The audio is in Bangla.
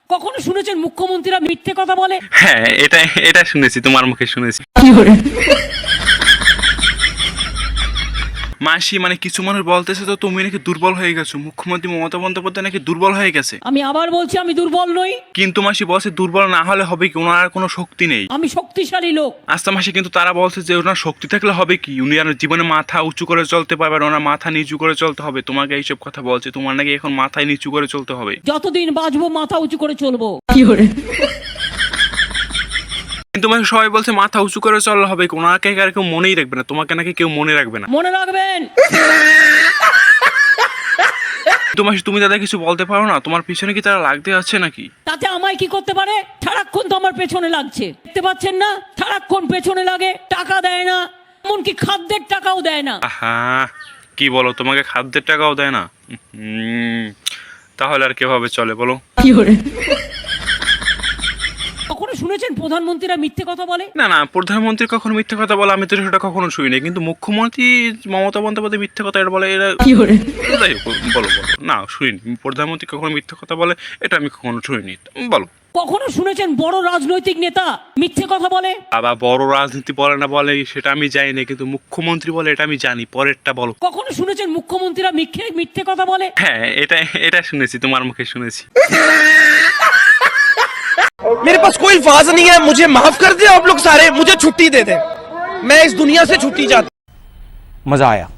কখনো শুনেছেন মুখ্যমন্ত্রীরা মিথ্যে কথা বলে? হ্যাঁ, এটা এটা শুনেছি, তোমার মুখে শুনেছি। মাসি, মানে কিছু মানুষ বলতেছে তো তুমি নাকি দুর্বল হয়ে গেছো, মুখ্যমন্ত্রী মমতা বন্দ্যোপাধ্যায় নাকি দুর্বল হয়ে গেছে। আমি আবার বলছি, আমি দুর্বল নই। কিন্তু মাসি বলছে দুর্বল না হলে হবে কি, ওনার কোনো শক্তি নেই। আমি শক্তিশালী লোক। আচ্ছা মাসি, কিন্তু তারা বলছে যে ওনার শক্তি থাকলে হবে কি, উনি আর জীবনে মাথা উঁচু করে চলতে পারবেন, ওনার মাথা নিচু করে চলতে হবে। তোমাকে এইসব কথা বলছে, তোমার নাকি এখন মাথায় নিচু করে চলতে হবে। যতদিন বাঁচবো মাথা উঁচু করে চলবো। কিন্তু মাসি সবাই বলছে মাথা উঁচু করে চললে হবে, ওনাকে আর কেউ মনেই রাখবে না, তোমাকে নাকি কেউ মনে রাখবে না। মনে রাখবেন। কিন্তু মাসি তুমি তাদের কিছু বলতে পারো না? তোমার পিছনে কি তারা লাগতে আছে নাকি? তাতে আমায় কি করতে পারে? সারাক্ষণ তো আমার পেছনে লাগছে, দেখতে পাচ্ছেন না? সারাক্ষণ পেছনে লাগে, টাকা দেয় না, এমনকি খাদ্যের টাকাও দেয় না। আহা, কি বলো, তোমাকে খাদ্যের টাকাও দেয় না? তাহলে আর কিভাবে চলে বলো? কখনো শুনেছেন প্রধানমন্ত্রীরা মিথ্যে কথা বলে? না না, প্রধানমন্ত্রী কখনো মিথ্যে কথা বলে আমি তো সেটা কখনো শুনিনি, কিন্তু মুখ্যমন্ত্রী মমতা বন্দ্যোপাধ্যায় মিথ্যে কথা এটা বলে, এরা যাই হোক, বলো বলো। না শুনিনি, প্রধানমন্ত্রী কখনো মিথ্যে কথা বলে এটা আমি কখনো শুনিনি, বলো। কখনো শুনেছেন বড় রাজনৈতিক নেতা মিথ্যে কথা বলে? আবার বড় রাজনীতি বলে না বলে সেটা আমি জানি না, কিন্তু মুখ্যমন্ত্রী বলে এটা আমি জানি। পরেরটা বলো। কখনো শুনেছেন মুখ্যমন্ত্রীরা মিথ্যে কথা বলে? হ্যাঁ, এটা এটা শুনেছি, তোমার মুখে শুনেছি। मेरे पास कोई अल्फाज नहीं है, मुझे माफ कर दे आप लोग सारे, मुझे छुट्टी दे दे, मैं इस दुनिया से छुट्टी चाहता हूं। मजा आया।